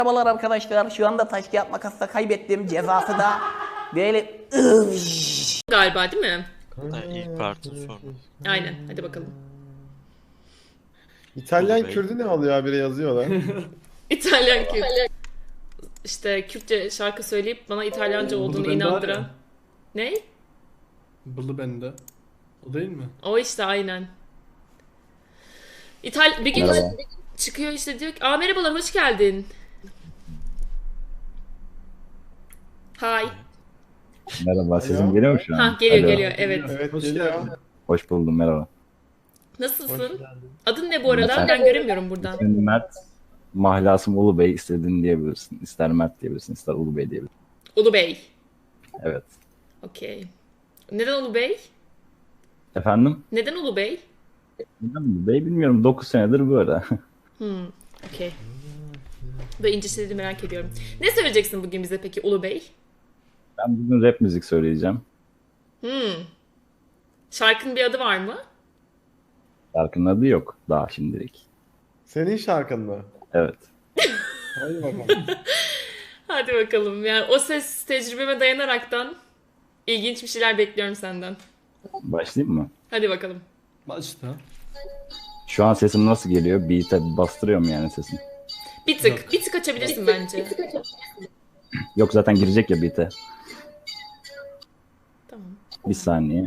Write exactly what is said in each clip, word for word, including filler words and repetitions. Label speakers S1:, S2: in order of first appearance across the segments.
S1: Merhabalar arkadaşlar. Şu anda taş kağıt makasla kaybettim. Cezası da böyle
S2: Galiba değil mi?
S3: Ha, ilk partın sonu.
S2: Aynen. Hadi bakalım.
S4: İtalyan
S3: Olur be.
S4: Kürdü ne alıyor habire yazıyorlar.
S2: İtalyan Kürt. İşte Kürtçe şarkı söyleyip bana İtalyanca
S5: Bulu
S2: olduğunu
S5: bende var
S2: inandıran.
S5: ya.
S2: Ne?
S5: Bılı bende. O değil mi?
S2: O işte aynen. İtal bir gün
S6: Merhaba.
S2: çıkıyor işte diyor ki, "Aa merhabalar, hoş geldin." Hay.
S6: Merhaba, sesim geliyor mu şu an?
S2: Ha geliyor
S6: Alo.
S2: geliyor evet.
S4: Evet
S5: Hoş
S4: geliyor.
S5: geldin.
S6: Hoş buldum, merhaba.
S2: Nasılsın? Adın ne bu arada?
S6: Mert.
S2: Ben göremiyorum buradan.
S6: İsmim Mert, mahlasım Ulu Bey, istediğin diyebilirsin. İster Mert diyebilirsin, ister Ulu Bey diyebilirsin.
S2: Ulu Bey.
S6: Evet.
S2: Okey. Neden Ulu Bey?
S6: Efendim?
S2: Neden Ulu Bey?
S6: Neden Ulu Bey bilmiyorum, dokuz senedir böyle.
S2: Hmm, okey. Böyle ince şeyleri merak ediyorum. Ne söyleyeceksin bugün bize peki Ulu Bey?
S6: Ben bugün rap müzik söyleyeceğim.
S2: Hmm. Şarkının bir adı var mı?
S6: Şarkının adı yok daha şimdilik.
S4: Senin şarkın mı?
S6: Evet.
S4: Hadi bakalım.
S2: Hadi bakalım. Yani o ses tecrübeme dayanaraktan ilginç bir şeyler bekliyorum senden.
S6: Başlayayım mı?
S2: Hadi bakalım.
S5: Başta.
S6: Şu an sesim nasıl geliyor? Beat'e bastırıyor mu yani sesim?
S2: Bir tık,
S5: Yok.
S2: bir tık açabilirsin bence.
S6: Yok, zaten girecek ya beat'e.
S2: Tamam.
S6: Bir saniye.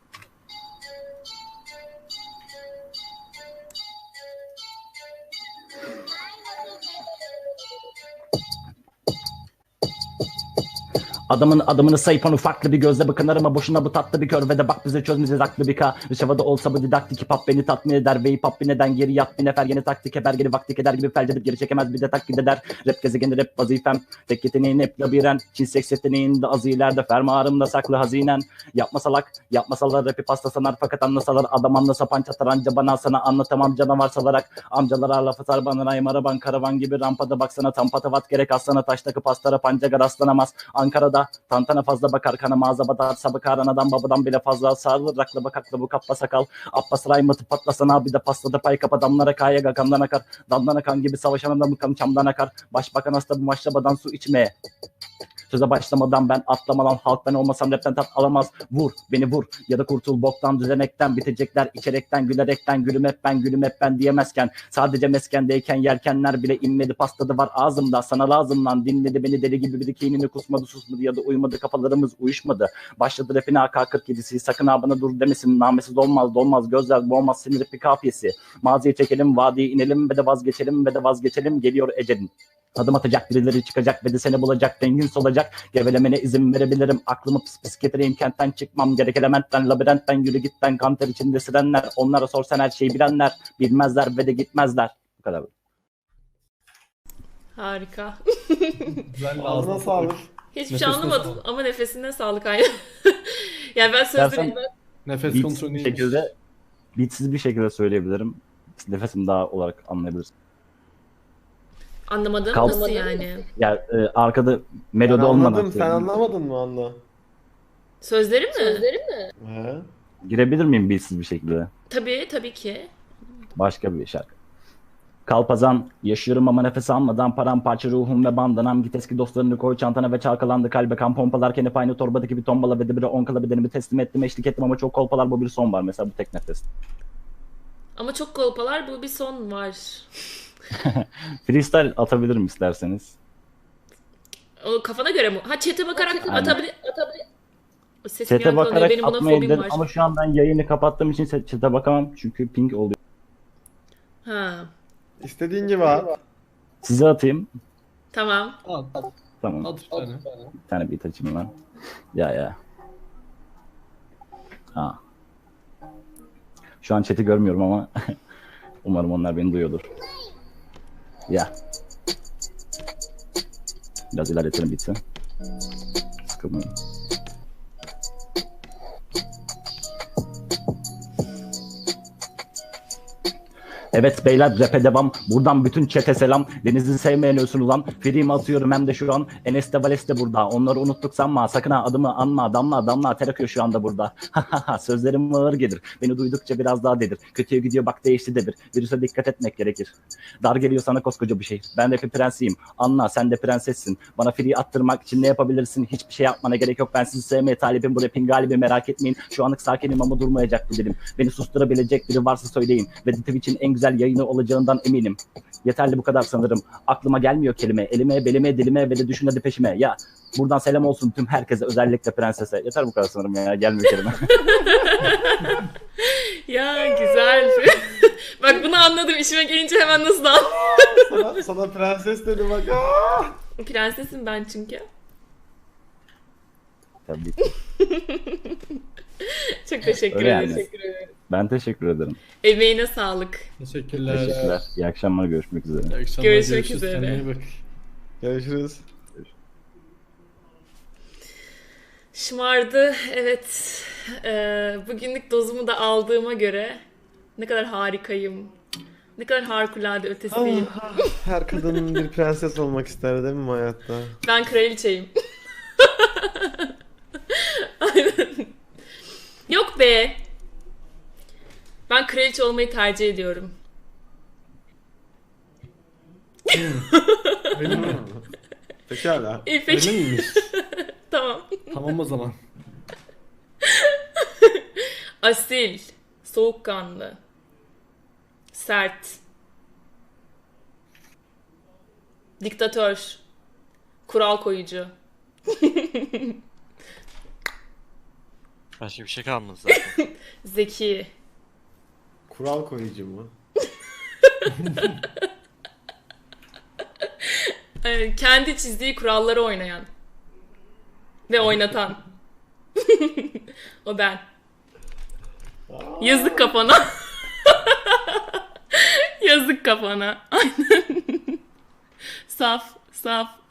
S6: Adamın adımını sayıp onu farklı bir gözle bakınır ama boşuna bu tatlı bir kör ve de bak bize çözmeyeceğiz aklı bir ka. Rışavada olsa bu didaktik hip hop beni tatmin eder ve hip hop neden geri yat bir nefer yeni taktik eber geri vakti eder gibi felç edip geri çekemez bir de taklit eder. Rap gezegeni rap vazifem tek yeteneğin hep labirent Çin seks yeteneğinde az ileride fermuarımda saklı hazinen. Yapma salak yapmasalar rapi pasta sanar fakat anlasalar adam anlasa panç atar anca bana sana anlatamam canavar salarak. Amcalara laf atar bana rayım araban karavan gibi rampada baksana tam patavat gerek aslana taş takı pastara pancaga rastlanamaz. Ankara'da tantana fazla bakar kana mağaza badar sabık anadan babadan bile fazla sarılır rakla bakakla bu kappa sakal Abbas Raymat'ı patlasan abi de pasladı pay kap adamlara kaya gakamdan akar damdan akan gibi savaşan adamı kanı çamdan akar başbakan hasta bu maşrabadan su içmeye söze başlamadan ben atlamadan halk ben olmasam rapten tat alamaz vur beni vur ya da kurtul boktan düzenekten bitecekler içerekten gülerekten gülüm hep ben gülüm hep ben diyemezken sadece meskendeyken yelkenler bile inmedi pastadı var ağzımda sana lazım lan dinledi beni deli gibi bir kinini kusmadı susmadı ya da uyumadı kafalarımız uyuşmadı başladı rapine A K kırk yedisi sakın ha bana dur demesin namesiz olmaz dolmaz gözler boğmaz sinir rapi kafiyesi maziye çekelim vadiye inelim ve de vazgeçelim ve de vazgeçelim geliyor ecelin. Adım atacak birileri çıkacak ve de seni bulacak dengin solacak gevelemene izin verebilirim aklımı pis pis getireyim kentten çıkmam gerek elementten labirentten yürü gitten kanter içinde sirenler onlara sorsan her şeyi bilenler bilmezler ve de gitmezler bu kadar.
S2: Harika.
S5: Güzel
S4: Ağzına
S5: ağzına
S4: sağlık.
S2: Hiçbir şey
S5: Nefesine
S2: anlamadım
S5: sağlık.
S2: ama nefesine sağlık aynen. Yani ben sözleri...
S6: Dersen
S5: Nefes
S6: beatsiz
S5: kontrolü
S6: bir
S5: iyiymiş.
S6: şekilde beatsiz bir şekilde söyleyebilirim nefesim daha olarak anlayabilirsin.
S2: Anlamadım.
S6: Kal-
S2: Nasıl yani?
S6: Yani e, arkada
S4: Ben
S6: melodi olmadan
S4: anladım. Sen
S6: söyleyeyim.
S4: anlamadın mı Anla?
S2: Sözleri mi?
S4: He?
S6: Girebilir miyim beatsiz bir şekilde?
S2: Tabii, tabii ki.
S6: Başka bir şarkı. Kalpazan, yaşıyorum ama nefes almadan paramparça ruhum ve bandanam git eski dostlarını koy çantana ve çalkalandı kalbe kan pompalarken hep aynı torbadaki bir tombala ve de bire on kala bedenimi teslim ettim eşlik ettim ama çok kolpalar bu bir son var mesela bu tek nefes.
S2: Ama çok kolpalar, bu bir son var.
S6: Freestyle atabilirim isterseniz.
S2: O kafana göre mi? Ha chat'e bakarak
S6: Aynen.
S2: atabilir... atabilir. O ses
S6: Sete
S2: gelen konuya
S6: bakarak
S2: benim buna
S6: atmayı
S2: fobim
S6: dedim
S2: var.
S6: ama şu an ben yayını kapattığım için sete bakamam çünkü ping oluyor.
S2: Ha,
S4: İstediğin gibi at.
S6: Size atayım.
S2: tamam.
S5: At, at,
S6: Tamam.
S5: at bir tane.
S6: Bir tane beat açayım ben. Ya ya. Ha. Şu an chat'i görmüyorum ama umarım onlar beni duyuyordur. Ya. Biraz ilerletelim bitse. Sıkılmayın. Evet beyler rap'e devam. Buradan bütün çete selam. Deniz'i sevmeyen ölsün ulan. Free'mi atıyorum hem de şu an. Enes de Vales de burada. Onları unuttuk sanma. Sakın ha adımı anma. Damla damla ter akıyor şu anda burada. Sözlerim ağır gelir. Beni duydukça biraz daha dedir. Kötüye gidiyor bak değişti de bir. Virüse dikkat etmek gerekir. Dar geliyor sana koskoca bir şey. Ben rap'in prensiyim. Anla sen de prensessin. Bana free attırmak için ne yapabilirsin? Hiçbir şey yapmana gerek yok. Ben sizi sevmeye talibim. Bu rap'in galibi merak etmeyin. Şu anlık sakinim ama durmayacak bu dilim. Beni susturabilecek biri varsa söyleyin. Ve Twitch'in en güzel yayını olacağından eminim. Yeterli bu kadar sanırım. Aklıma gelmiyor kelime. Elime, belime, dilime ve de düşün hadi peşime. Ya buradan selam olsun tüm herkese, özellikle prensese. Yeter bu kadar sanırım ya. Gelmiyor kelime.
S2: Ya güzel. Bak bunu anladım. İşime gelince hemen nasıl anladım.
S4: Sana, sana prenses dedi bak. Aa!
S2: Prensesim ben çünkü.
S6: Tabii.
S2: Çok teşekkür
S6: Öyle
S2: ederim.
S6: yani. Ben teşekkür ederim.
S2: Emeğine sağlık.
S5: Teşekkürler.
S6: Teşekkürler. İyi akşamlar. Görüşmek üzere.
S5: İyi akşamlar,
S2: Görüşmek
S5: görüşürüz.
S2: üzere.
S5: Kendine iyi bak.
S4: Görüşürüz.
S2: Şımardı. Evet. Ee, bugünlük dozumu da aldığıma göre ne kadar harikayım. Ne kadar harikulade ötesiyim.
S4: Ah, her kadının bir prenses olmak ister değil mi hayatta?
S2: Ben kraliçeyim. Aynen. Yok be. Ben kraliçe olmayı tercih ediyorum.
S5: Öyle mi?
S4: Pekala.
S2: İyi peki.
S5: Öyle miymiş?
S2: Tamam.
S5: Tamam o zaman.
S2: Asil, soğukkanlı, sert, diktatör, kural koyucu.
S3: Başka bir şey kalmadı zaten.
S2: Zeki.
S4: Kural koyucu mu?
S2: Ee, kendi çizdiği kuralları oynayan. Ve oynatan. O ben. Yazık kafana. Yazık kafana. Aynen. Saf, saf.